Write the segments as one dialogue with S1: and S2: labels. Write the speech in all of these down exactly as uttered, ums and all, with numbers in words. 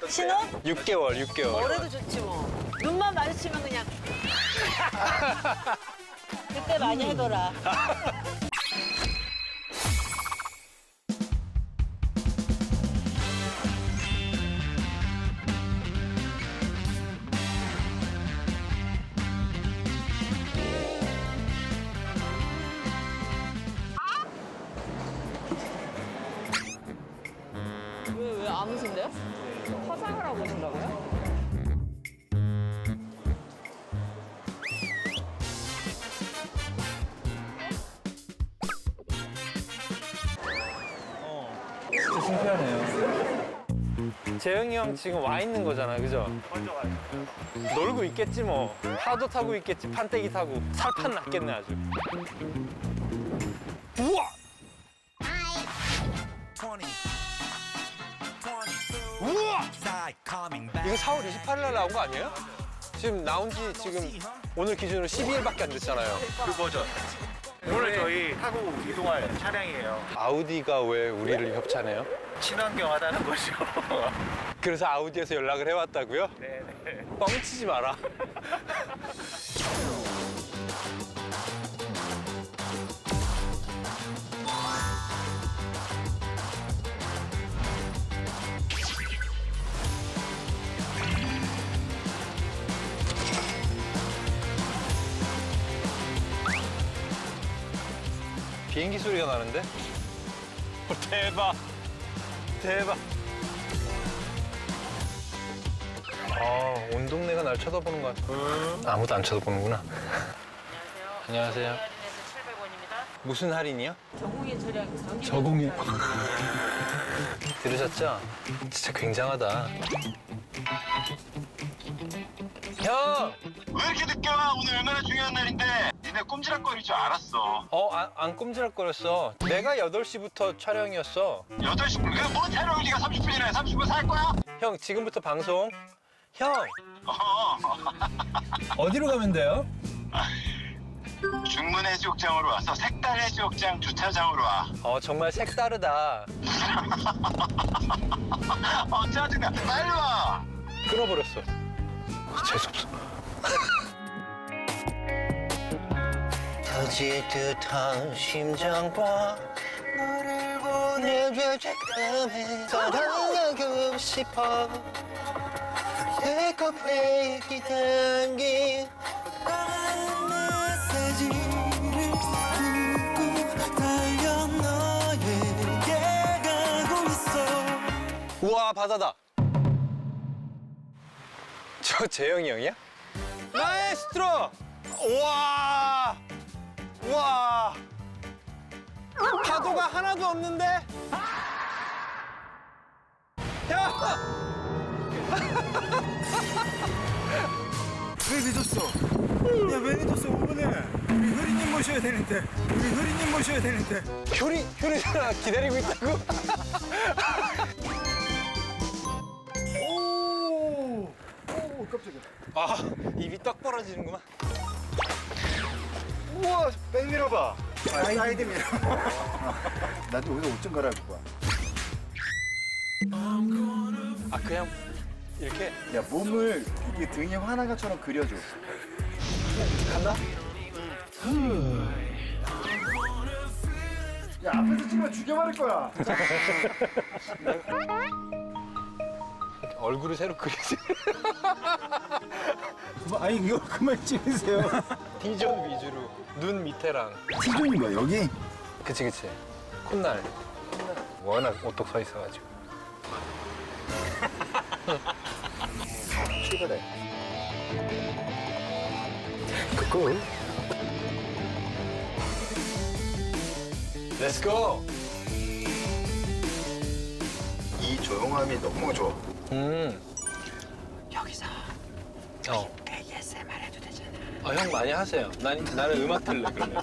S1: 신혼?
S2: 육 개월, 육 개월.
S1: 뭐래도 좋지 뭐. 눈만 마주치면 그냥. 그때 많이 해둬라.
S3: 왜, 왜 안 오신대요? 화장을 하고 오신다고요?
S2: 진짜 신기하네요. 재영이 형 지금 와 있는 거잖아, 그죠?
S4: 먼저 와요.
S2: 놀고 있겠지 뭐. 파도 타고 있겠지, 판때기 타고. 살판 났겠네 아주. 우와! 우와! 이거 사월 이십팔일 날 나온 거 아니에요? 지금 나온 지 지금 오늘 기준으로 십이 일밖에 안 됐잖아요.
S4: 그 버전. 오늘 저희 타고 이동할 차량이에요.
S2: 아우디가 왜 우리를 협찬해요?
S4: 친환경 하다는 거죠.
S2: 그래서 아우디에서 연락을 해왔다고요?
S4: 네네.
S2: 뻥치지 마라. 비행기 소리가 나는데? 어, 대박! 대박! 아, 온 동네가 날 쳐다보는 것 같아. 음. 아무도 안 쳐다보는구나.
S1: 안녕하세요.
S2: 안녕하세요.
S1: 할인해서 칠백 원입니다.
S2: 무슨 할인이요?
S1: 저공예 처리하기
S2: 저공예. 들으셨죠? 진짜 굉장하다. 형!
S5: 왜 이렇게 늦게 와? 오늘 얼마나 중요한 날인데. 니네 꼼지락거릴 줄 알았어.
S2: 어, 안, 안 꼼지락거렸어. 내가 여덟 시부터 촬영이었어.
S5: 여덟 시, 그뭐 촬영을 네가 삼십 분이나 해? 삼십 분 살 거야?
S2: 형, 지금부터 방송. 형!
S5: 어.
S2: 어디로 가면 돼요?
S5: 중문 해수욕장으로 와서 색달 해수욕장 주차장으로 와.
S2: 어, 정말 색다르다.
S5: 어, 짜증나. 빨리 와.
S2: 끊어버렸어. 어, 재수없어. 터질 듯한 심장과 너를 보내줘 잠깐만 사랑하고 싶어 내 커피에 기담긴 메시지를 듣고 달려 너에게 가고 있어. 우와 바다다. 저 재영이 형이야? 마에스트로! 우와! 우와! 파도가 하나도 없는데? 야!
S6: 왜 늦었어? 야, 왜 늦었어, 오 분에? 우리 효리님 모셔야 되는데. 우리 효리님 모셔야 되는데.
S2: 효리, 효리가 기다리고 있다고?
S6: 오! 오, 깜짝이야.
S2: 아, 입이 떡 벌어지는구만.
S6: 우와, 백미러 봐. 아, 사이드 미러. 나도 여기서 옷 좀 갈아입고 와.
S2: 아, 그냥 이렇게?
S6: 야, 몸을 이게 등에 화난 것처럼 그려줘.
S2: 간다?
S6: 야, 앞에서 찍으면 죽여버릴 거야.
S2: 얼굴을 새로 그리지.
S6: 뭐, 아니, 이거 그만 찍으세요.
S2: D존 위주로. 눈 밑에랑.
S6: T존이 뭐야, 여기?
S2: 그치, 그치. 콧날. 워낙 오똑 서 있어가지고.
S6: 출발해.
S2: 굿. Let's go.
S6: 이 조용함이 너무 좋아.
S2: 음.
S1: 여기서
S2: 어.
S1: 에이에스엠알 해도 되잖아.
S2: 어, 형 많이 하세요. 난, 나는 음악 들래, 그러면.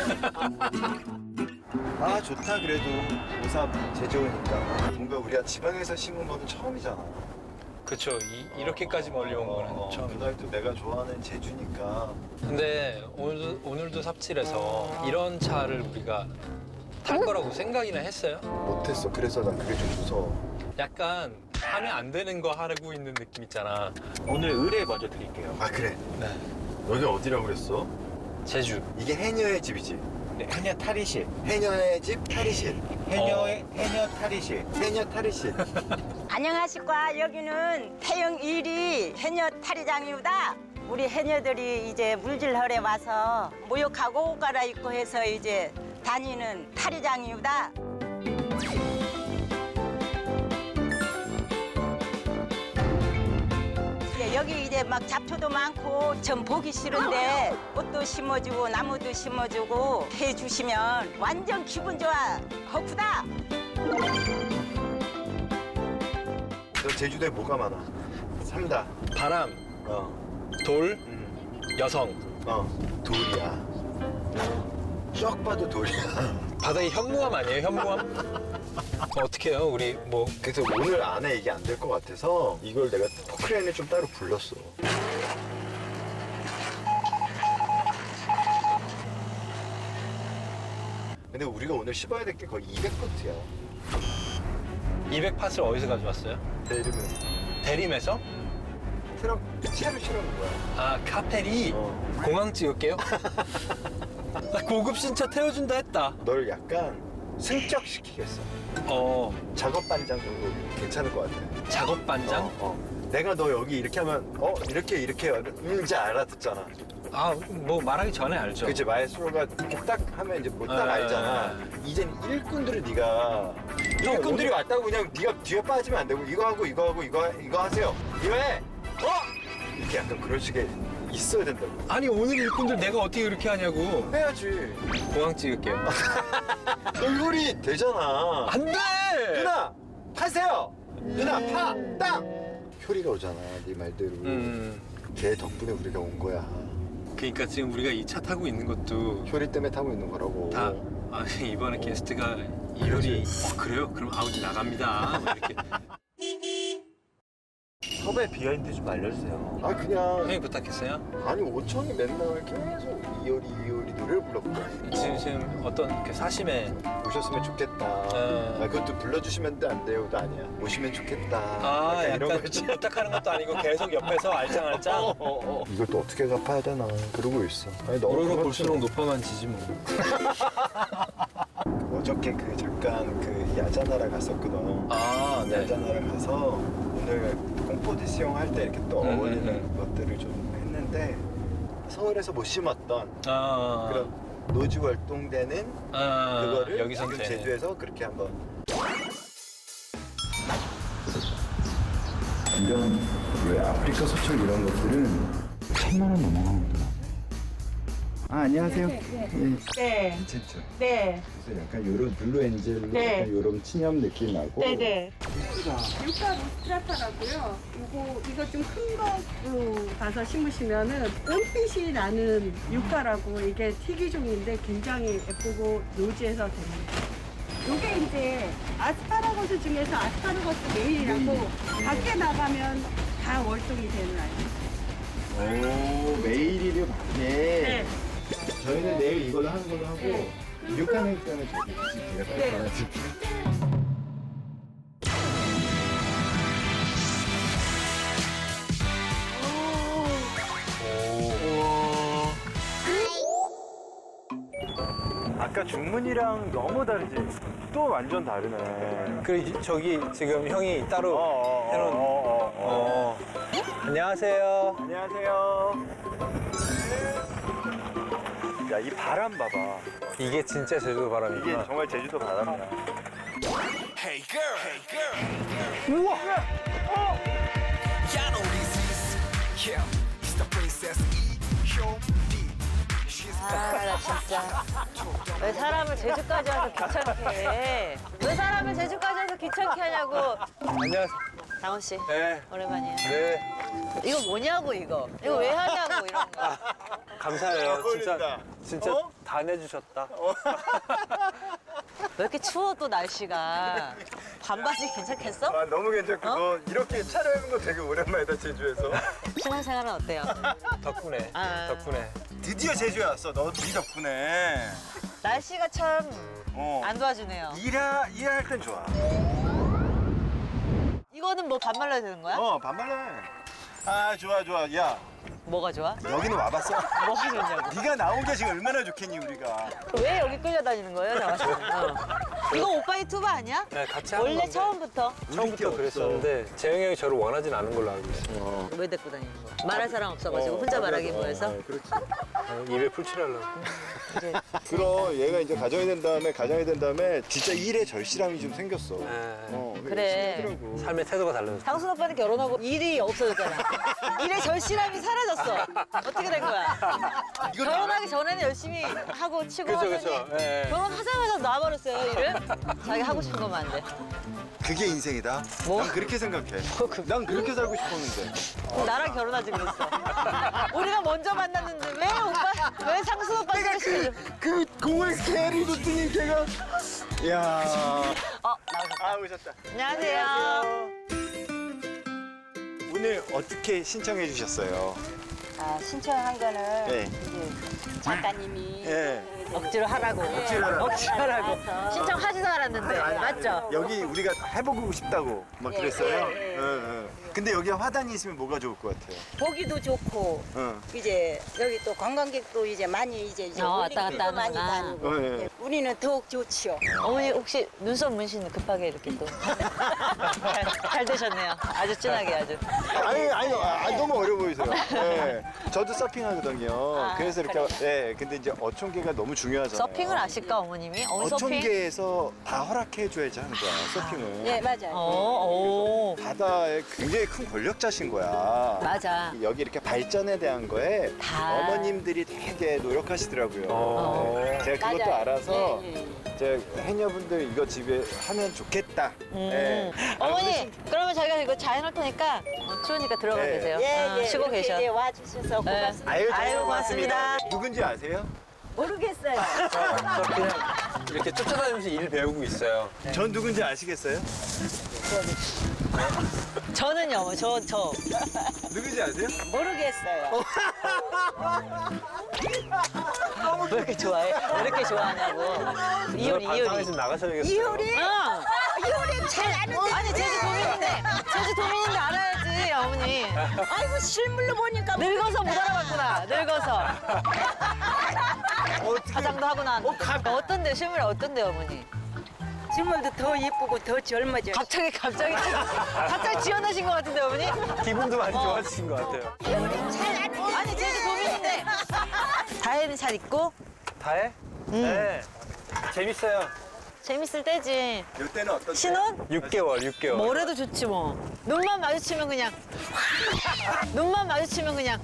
S6: 아, 좋다, 그래도. 오삼 제주오니까. 뭔가 우리가 지방에서 심은 거는 처음이잖아.
S2: 그쵸. 이, 이렇게까지 멀리 온 거는
S6: 어,
S2: 처음.
S6: 그날도 내가 좋아하는 제주니까.
S2: 근데 오늘도, 오늘도 삽질해서 이런 차를 우리가 탈 거라고 생각이나 했어요?
S6: 못했어. 그래서 난 그게 좀 무서워.
S2: 약간 하면 안 되는 거 하고 있는 느낌 있잖아.
S4: 오늘 의뢰 먼저 드릴게요.
S7: 아 그래.
S2: 네.
S7: 여기 어디라고 그랬어?
S2: 제주.
S7: 이게 해녀의 집이지.
S4: 네, 해녀 탈의실.
S7: 해녀의 집 탈의실.
S4: 해녀의 해녀 탈의실.
S7: 해녀 탈의실.
S8: 안녕하십니까. 여기는 태영 일 위 해녀 탈의장입니다. 우리 해녀들이 이제 물질하러 와서 목욕하고 옷 갈아입고 해서 이제 다니는 탈의장입니다. 예, 여기 이제 막 잡초도 많고 전 보기 싫은데 꽃도 심어주고 나무도 심어주고 해주시면 완전 기분 좋아. 허쿠다.
S7: 너 제주도에 뭐가 많아? 삼다.
S2: 바람,
S7: 어.
S2: 돌,
S7: 음.
S2: 여성.
S7: 어. 돌이야. 쫙 봐도 돌이야.
S2: 바다의 현무암 아니에요, 현무암? 어떻게 해요, 우리 뭐.
S7: 그래서 오늘 안에 이게 안 될 것 같아서 이걸 내가 포크레인을 좀 따로 불렀어. 근데 우리가 오늘 씹어야 될 게 거의 이백 포트야.
S2: 이백 팟을 어디서 가져왔어요?
S7: 내 이름은
S2: 대림에서?
S7: 트럭 차를 실어놓은 거야.
S2: 아, 카페리.
S7: 어.
S2: 공항 찍을게요. 나 고급 신차 태워준다 했다.
S7: 널 약간 승격시키겠어.
S2: 어,
S7: 작업 반장 정도 괜찮을 것 같아.
S2: 작업 반장?
S7: 어, 어. 내가 너 여기 이렇게 하면 어 이렇게 이렇게 음 이제 알아듣잖아.
S2: 아, 뭐 말하기 전에 알죠.
S7: 그치 마에스트로가 이렇게 딱 하면 이제 뭐 딱
S2: 아,
S7: 알잖아. 이젠 일꾼들을 네가 일꾼들이 왔다고 그냥 네가 뒤에 빠지면 안 되고 이거 하고 이거 하고 이거 이거 하세요. 이거 해. 어? 이렇게 약간 그런 식의 있어야 된다고.
S2: 아니, 오늘 일꾼들 내가 어떻게 그렇게 하냐고.
S7: 해야지.
S2: 공항 찍을게요.
S7: 얼굴이 되잖아.
S2: 안 돼!
S7: 누나 파세요. 누나 파 땅. 효리가 오잖아. 네 말대로.
S2: 음,
S7: 걔 덕분에 우리가 온 거야.
S2: 그러니까 지금 우리가 이 차 타고 있는 것도
S7: 효리 때문에 타고 있는 거라고.
S2: 다, 아, 이번에 게스트가 이효리. 어, 그래요? 그럼 아우디 나갑니다. 뭐 이렇게.
S4: 섭외 비하인드 좀 알려주세요.
S7: 아 그냥
S2: 형이 부탁했어요?
S7: 아니 오천이 맨날 계속 이효리 이효리 노래를 불렀거든.
S2: 지금, 지금 어떤 그 사심에.
S7: 오셨으면 좋겠다.
S2: 네.
S7: 아 그것도 불러주시면 안 돼요도 아니야. 오시면 좋겠다.
S2: 아,
S7: 약간 이런
S2: 약간
S7: 거지.
S2: 부탁하는 것도 아니고 계속 옆에서 알짱알짱.
S7: 어, 어, 어. 이걸 또 어떻게 갚아야 되나 그러고 있어. 아니 너무
S2: 오르락
S7: 그렇지.
S2: 볼수록 높아만 지지 뭐.
S7: 어저께 그 잠깐 그 야자나라 갔었거든.
S2: 아, 네.
S7: 야자나라 가서 오늘 콩포지시용 할 때 이렇게 또
S2: 음,
S7: 어울리는
S2: 음,
S7: 것들을 좀 했는데 서울에서 못 심었던
S2: 아,
S7: 그런 노지 활동되는
S2: 아,
S7: 그거를
S2: 여기선
S7: 지금
S2: 되네.
S7: 제주에서 그렇게 한번 이런 왜 아프리카 소철 이런 것들은 천만 원 넘어가거든. 아 안녕하세요. 네.
S8: 네.
S7: 진짜.
S8: 네.
S7: 그래서 약간 요런 블루 엔젤로
S8: 네.
S7: 약간 요런 친염 느낌 나고.
S8: 네네.
S9: 유카 로스트라타라고요. 이거 이거 좀 큰 거로 가서 심으시면은 은빛이 나는 유카라고 이게 특이종인데 굉장히 예쁘고 노지에서 됩니다. 이게 이제 아스파라거스 중에서 아스파라거스 메일이라고 밖에 나가면 다 월동이 되는 아이.
S7: 오 메일이류 밖에.
S9: 네.
S7: 저희는 내일 이걸로 하는 걸로 하고
S9: 네.
S7: 육하는 때문에 저기 제가 빨리
S9: 네.
S7: 받아줄게요.
S4: 아까 중문이랑 너무 다르지? 또 완전 다르네.
S2: 그 저기 지금 형이 따로
S4: 어,
S2: 해놓은.
S4: 어, 어, 어.
S2: 어. 안녕하세요.
S4: 안녕하세요. 야, 이 바람 봐봐.
S2: 이게 진짜 제주도
S4: 이게
S2: 바람이구나.
S4: 정말 제주도 바람이야.
S3: 아, 나 진짜. 왜 사람을 제주까지 와서 귀찮게 해? 왜 사람을 제주까지 와서 귀찮게 하냐고.
S2: 안녕하세요.
S3: 장원 씨,
S2: 네.
S3: 오랜만이에요.
S2: 네.
S3: 이거 뭐냐고, 이거. 이거 왜 하냐고, 이런 거.
S2: 감사해요. 진짜
S7: 어울린다.
S2: 진짜
S7: 어?
S2: 다 내주셨다.
S3: 왜 이렇게 추워, 또 날씨가. 반바지 괜찮겠어?
S7: 아 너무 괜찮고
S3: 어?
S7: 너 이렇게 차려입은 거 되게 오랜만이다 제주에서.
S3: 신혼생활은 어때요?
S2: 덕분에.
S3: 아.
S2: 덕분에.
S7: 드디어 제주에 왔어. 너 네 덕분에.
S3: 날씨가 참
S7: 어.
S3: 안 도와주네요.
S7: 일하 일할 땐 좋아.
S3: 이거는 뭐 반말로 해야 되는 거야?
S7: 어 반말로 해. 아 좋아 좋아. 야
S3: 뭐가 좋아?
S7: 여기는 와봤어?
S3: 뭐가 좋냐고.
S7: 네가 나온 게 지금 얼마나 좋겠니 우리가.
S3: 왜 여기 끌려다니는 거예요, 장화 씨는? 어. 이거 오빠의 투바 아니야?
S2: 네, 같이 하는
S3: 원래
S2: 건데.
S3: 처음부터.
S2: 처음부터 그랬었는데 재영이 형이 저를 원하진 않은 걸로 알고 있어요.
S3: 왜 데리고 다니는 거야? 말할 사람 없어가지고 혼자 말하기 뭐해서?
S7: 그렇지.
S2: 어, 입에 풀칠하려고.
S3: 이제
S7: 그럼 얘가 이제 가정이 된 다음에 가정이 된 다음에 진짜 일에 절실함이 좀 생겼어.
S2: 네.
S7: 어,
S3: 그래.
S7: 하더라고.
S2: 삶의 태도가 달라졌어.
S3: 장순 오빠는 결혼하고 일이 없어졌잖아. 일의 절실함이 사라졌어. 어떻게 된 거야? 결혼하기 전에는 열심히 하고 치고
S2: 그쵸,
S3: 하더니
S2: 그쵸. 예.
S3: 결혼하자마자 놔버렸어요, 일을. 자기 하고 싶은 것만 안 돼.
S7: 그게 인생이다.
S3: 뭐?
S7: 난 그렇게 생각해. 난 그렇게 살고 싶었는데.
S3: 그럼 나랑 결혼하지 그랬어. 우리가 먼저 만났는데 왜 오빠, 왜 상순 오빠 생각시켜줘?
S7: 그 공을 개를 줬더니 걔가. 야.
S3: 어, 나오셨다.
S7: 아 오셨다.
S3: 안녕하세요.
S7: 오늘 어떻게 신청해 주셨어요?
S8: 아, 신청한 거는
S7: 네.
S8: 이제 작가님이
S7: 예.
S3: 억지로 하라고.
S7: 억지로 하라고.
S3: 억지로 하라고. 신청하지도 않았는데. 맞죠?
S7: 여기 우리가 해보고 싶다고 막
S8: 예,
S7: 그랬어요.
S8: 예, 예.
S7: 응, 응. 근데 여기 화단이 있으면 뭐가 좋을 것 같아요?
S8: 보기도 좋고
S7: 응.
S8: 이제 여기 또 관광객도 이제 많이 이제, 이제
S3: 어, 왔다
S8: 올림픽도
S3: 갔다
S8: 많이
S3: 하는구나.
S8: 다니고
S7: 어, 예.
S8: 예, 우리는 더욱 좋지요.
S3: 어머니 혹시 눈썹 문신 급하게 이렇게 또. 잘, 잘 되셨네요. 아주 진하게 아주.
S7: 아니, 아니, 아, 너무 어려 보이세요. 예. 저도 서핑하거든요.
S8: 아,
S7: 그래서 이렇게, 예. 근데 이제 어촌계가 너무 중요하잖아요.
S3: 서핑을 아실까 어머님이? 어머니 서핑?
S7: 어촌계에서 다 허락해줘야지 하는 거야, 서핑을.
S8: 예, 맞아요.
S3: 어, 오.
S7: 바다에 굉장히 큰 권력자신 거야.
S3: 맞아.
S7: 여기 이렇게 발전에 대한 거에
S3: 다.
S7: 어머님들이 되게 노력하시더라고요.
S2: 어.
S7: 네. 제가 그것도
S8: 맞아요.
S7: 알아서
S8: 예, 예.
S7: 제가 해녀분들 이거 집에 하면 좋겠다.
S3: 음.
S7: 예.
S3: 어머니, 그러면 저희가 이거 잘 해놓을 테니까 어, 추우니까 들어가
S7: 네.
S3: 계세요.
S8: 예,
S3: 어,
S8: 예.
S3: 쉬고
S8: 이렇게
S3: 계셔.
S8: 이제 와주셔서
S3: 네.
S8: 고맙습니다.
S7: 아유,
S3: 아유, 고맙습니다.
S7: 누군지 아세요?
S8: 모르겠어요.
S2: 저 그냥 이렇게 쫓아다니면서 일 배우고 있어요.
S7: 전 누군지 아시겠어요?
S3: 저는요, 어머니, 저, 저.
S7: 누군지 아세요?
S8: 모르겠어요.
S3: 왜 이렇게 좋아해? 왜 이렇게 좋아하냐고. 이효리, 이효리.
S2: 방에서 나가셔야겠어요.
S8: 이효리?
S3: 응.
S8: 이효리 잘 아는데.
S3: 아니, 제주 도민인데, 제주 도민인데 알아야지, 어머니.
S8: 아이고 실물로 보니까
S3: 늙어서 못 알아봤구나, 늙어서. 화장도 하고 나왔는데. 어떤데, 실물이 어떤데, 어머니?
S8: 실물도 더 예쁘고 더 젊어져.
S3: 갑자기, 갑자기, 갑자기 지어내신 것 같은데, 어머니?
S2: 기분도 많이 좋아지신 것 같아요.
S8: 잘 아는데.
S3: 아니, 제주 도민인데. 다혜는 잘 있고,
S2: 다해? 네. 재밌어요.
S3: 재밌을 때지.
S7: 이때는 어떤 때?
S3: 신혼?
S2: 육 개월, 육 개월.
S3: 뭐래도 좋지 뭐. 눈만 마주치면 그냥 눈만 마주치면 그냥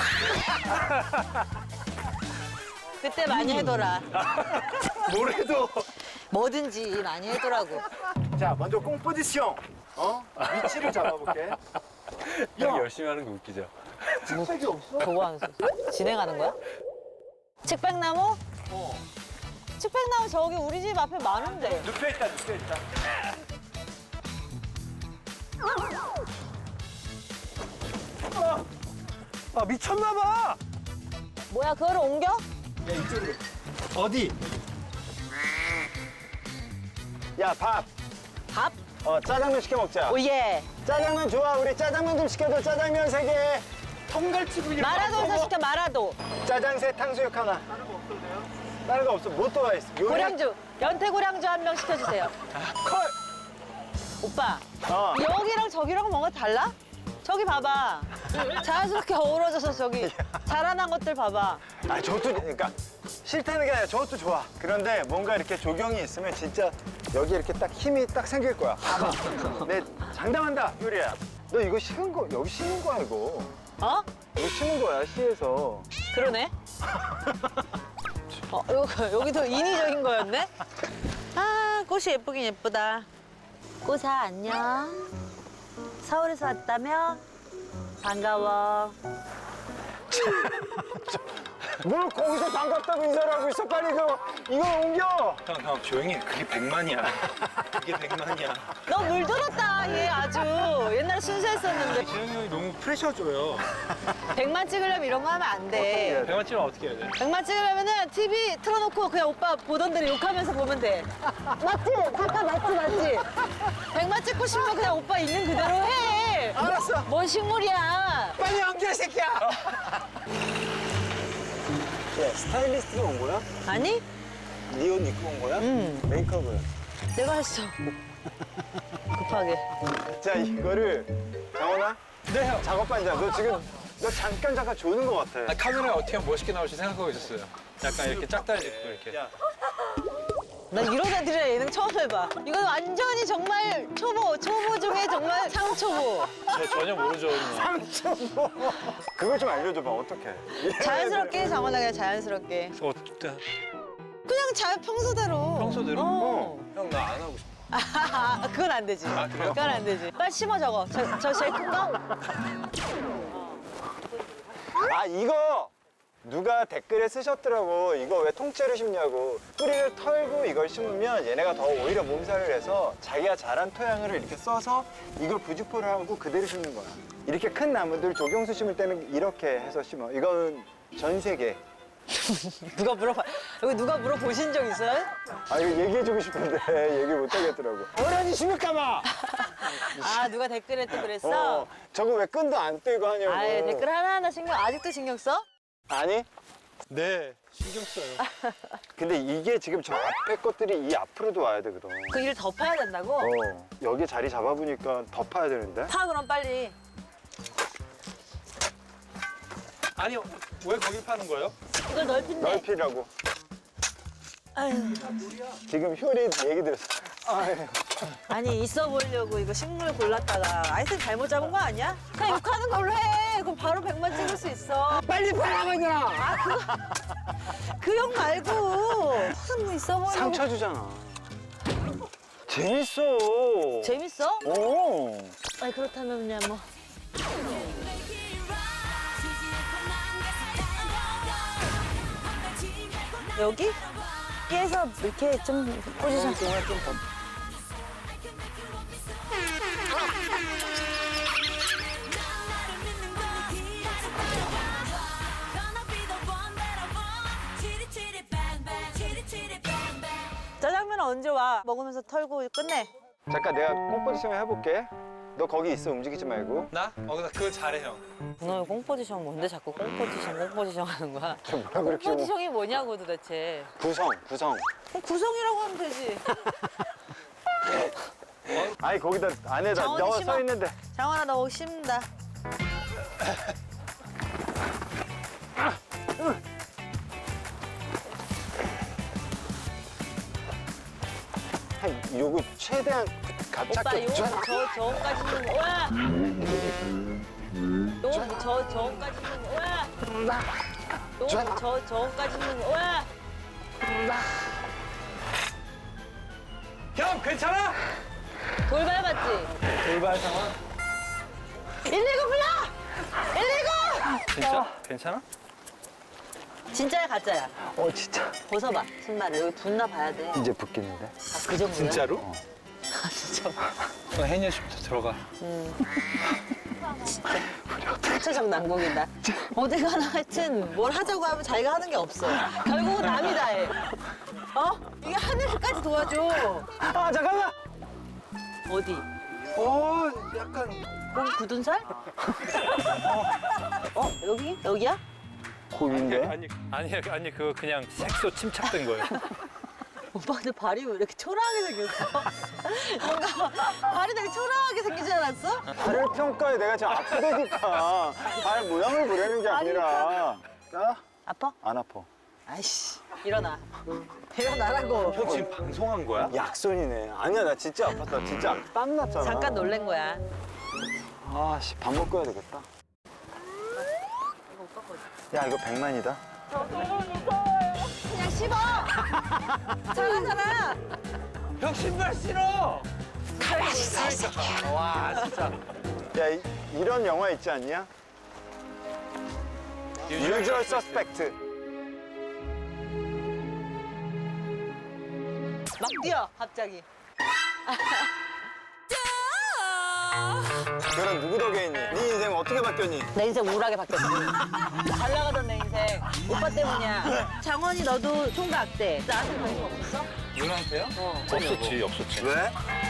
S3: 그때 많이 해둬라.
S2: 뭐래도.
S3: 뭐든지 많이 해두라고.
S7: 자, 먼저 꽁 포지션. 어? 위치를 잡아볼게.
S2: 형 열심히 하는 게 웃기죠.
S7: 책이 없어?
S3: 그거 하면서 진행하는 거야? 측백나무?
S7: 어.
S3: 측백나무 저기 우리 집 앞에 많은데.
S7: 눕혀있다, 눕혀있다.
S2: 아, 미쳤나봐.
S3: 뭐야 그거를 옮겨?
S7: 야, 이쪽으로. 어디? 야, 밥.
S3: 밥?
S7: 어, 짜장면 시켜 먹자.
S3: 오예.
S7: 짜장면 좋아. 우리 짜장면 좀 시켜줘. 짜장면 세 개. 통갈치구이.
S3: 마라도에서 시켜 마라도.
S7: 짜장 세, 탕수육 하나. 다른 거 없어. 뭐 또 와 있어? 요리-
S3: 고량주. 연태 고량주 한 명 시켜주세요.
S7: 콜.
S3: 오빠.
S7: 어.
S3: 여기랑 저기랑 뭔가 달라? 저기 봐봐. 자연스럽게 어우러져서 저기 자라난 것들 봐봐.
S7: 아, 저것도 그러니까 싫다는 게 아니라 저것도 좋아. 그런데 뭔가 이렇게 조경이 있으면 진짜 여기 이렇게 딱 힘이 딱 생길 거야. 봐봐. 내 장담한다, 유리야. 너 이거 심은 거 여기 심은 거야 이거.
S3: 어?
S7: 이거 심은 거야 시에서.
S3: 그러네. 어, 여기, 여기도 인위적인 거였네? 아, 꽃이 예쁘긴 예쁘다. 꽃아, 안녕. 서울에서 왔다며? 반가워.
S7: 뭘 거기서 반갑다고 인사를 하고 있어. 빨리 그거 이거 옮겨.
S2: 형, 형, 조용히 해. 그게 백만이야. 그게 백만이야.
S3: 너 물들었다, 얘 아주. 옛날에 순수했었는데.
S6: 재현이 형이 너무 프레셔 줘요.
S3: 백만 찍으려면 이런 거 하면 안 돼.
S2: 백만 찍으면 어떻게 해야 돼?
S3: 백만 찍으려면은 티비 틀어놓고 그냥 오빠 보던 대로 욕하면서 보면 돼. 맞지? 잠깐 맞지 맞지? 백만 찍고 싶으면 그냥 오빠 있는 그대로 해.
S2: 알았어.
S3: 뭔 식물이야?
S2: 빨리 연기해, 새끼야.
S7: 야, 스타일리스트가 온 거야?
S3: 아니?
S7: 네 옷 입고 온 거야?
S3: 응.
S7: 메이크업을.
S3: 내가 했어. 급하게.
S7: 자, 이거를 장원아?
S2: 네, 형.
S7: 작업반장, 너 지금 너 잠깐 잠깐 조는 것 같아.
S2: 아, 카메라에 어떻게 하면 멋있게 나올지 생각하고 있었어요. 약간 이렇게 짝다리 짚고 이렇게.
S7: 야.
S3: 난 이런 애들이랑 예능 처음 해봐. 이건 완전히 정말 초보, 초보 중에 정말 상초보.
S2: 저 전혀 모르죠.
S7: 뭐. 그걸 좀 알려줘봐, 어떡해.
S3: 자연스럽게 장원아 그냥 자연스럽게.
S2: 어,
S3: 그냥 자 평소대로.
S2: 평소대로?
S3: 어.
S2: 형 나 안 하고 싶어.
S3: 아, 그건 안 되지.
S2: 아, 그래요?
S3: 그건 안 되지. 빨리 심어 저거. 저, 저 제일 큰 거?
S7: 아, 이거 누가 댓글에 쓰셨더라고. 이거 왜 통째로 심냐고. 뿌리를 털고 이걸 심으면 얘네가 더 오히려 몸살을 해서 자기가 자란 토양을 이렇게 써서 이걸 부직포를 하고 그대로 심는 거야. 이렇게 큰 나무들 조경수 심을 때는 이렇게 해서 심어. 이건 전 세계.
S3: 누가 물어봐. 여기 누가 물어보신 적 있어요?
S7: 아, 이거 얘기해주고 싶은데 얘기 못 하겠더라고. 어련히 심을까봐!
S3: 아, 누가 댓글에 또 그랬어?
S7: 어, 저거 왜 끈도 안 떼고 하냐고.
S3: 아예 댓글 하나하나 신경, 아직도 신경 써?
S7: 아니?
S2: 네, 신경 써요.
S7: 근데 이게 지금 저 앞에 것들이 이 앞으로도 와야 되거든.
S3: 그 일을 더 파야 된다고?
S7: 어, 여기 자리 잡아보니까 더 파야 되는데?
S3: 파 그럼 빨리.
S2: 아니, 왜 거기 파는 거예요?
S3: 이걸 넓힌대.
S7: 넓히라고.
S3: 아유.
S7: 지금 효리 얘기 들었어. 아유.
S3: 아니 있어 보려고 이거 식물 골랐다가 아이템 잘못 잡은 거 아니야? 그냥 욕하는 걸로 해. 그럼 바로 백만 찍을 수 있어.
S7: 빨리 파라고 야
S3: 아 그거 그 형 말고 무슨 뭐 있어 보려고.
S7: 상처 주잖아. 재밌어.
S3: 재밌어?
S7: 오.
S3: 아니 그렇다면 그냥 뭐. 여기? 여기에서 이렇게 좀 포지션.
S7: 좀 더.
S3: 짜장면은 언제 와? 먹으면서 털고 끝내.
S7: 잠깐 내가 꽁포지션 해볼게. 너 거기 있어. 움직이지 말고.
S2: 나? 어, 나 그거 잘해, 형.
S3: 너 꽁포지션 뭔데 자꾸 꽁포지션 꽁포지션 하는 거야?
S7: 저 뭐라 그렇게 뭐.
S3: 꽁포지션이 뭐냐고 도대체.
S7: 구성, 구성.
S3: 그럼 구성이라고 하면 되지.
S7: 아니 거기다 안에다
S3: 장원이
S7: 넣어
S3: 심어.
S7: 서 있는데.
S3: 장원아 너 거기 심는다.
S7: 한 요거 최대한
S3: 오빠
S7: 갑작게.
S3: 요 저 저까지는 와. 요저 저까지는 와. 요저 저까지는 와.
S2: 형, 괜찮아?
S3: 돌발 맞지?
S2: 돌발 상황.
S3: 일일구 불러! 일일구!
S2: 진짜? 괜찮아?
S3: 진짜야 가짜야?
S7: 어 진짜.
S3: 벗어봐 신발을 여기 붙나 봐야 돼.
S7: 이제 붙겠는데.
S3: 아, 그 정도야?
S2: 진짜로?
S7: 어.
S3: 아 진짜.
S2: 어, 해녀 씨부터 들어가.
S3: 신체적 난국이다. 어디 가나 하여튼 뭘 하자고 하면 자기가 하는 게 없어. 결국은 남이 다 해. 어? 이게 하늘까지 도와줘.
S7: 아 잠깐만.
S3: 어디?
S7: 어 약간.
S3: 거기 굳은 살? 어? 어? 여기? 여기야?
S7: 고인데.
S2: 아니, 아니, 아니, 그거 그냥 색소 침착된 거예요.
S3: 오빠 근데 발이 왜 이렇게 초라하게 생겼어? 뭔가 발이 되게 초라하게 생기지 않았어?
S7: 발을 평가해. 내가 지금 아프다니까. 발 모양을 보려는 게 아니라. 나?
S3: 아파?
S7: 안 아파.
S3: 아이씨 일어나. 일어나라고.
S2: 형 지금 방송한 거야?
S7: 약손이네. 아니야 나 진짜 아팠다. 진짜 땀 났잖아.
S3: 잠깐 놀란 거야.
S7: 아씨 밥 먹고 해야 되겠다. 야 이거 백만이다.
S3: 그냥 씹어. 잘하잖아.
S2: 형 신발 신어! 와, 진짜.
S7: 야 이, 이런 영화 있지 않냐? Usual Suspect.
S3: 막 뛰어 갑자기.
S7: 결혼 누구 덕에 했니? 네 인생 어떻게 바뀌었니?
S3: 내 인생 우울하게 바뀌었어. 잘 나가던 내 인생. 오빠 때문이야. 장원이 너도 총각 때 나한테 관심 없었어?
S7: 누나한테요?
S3: 어.
S4: 없었지 없었지.
S7: 왜?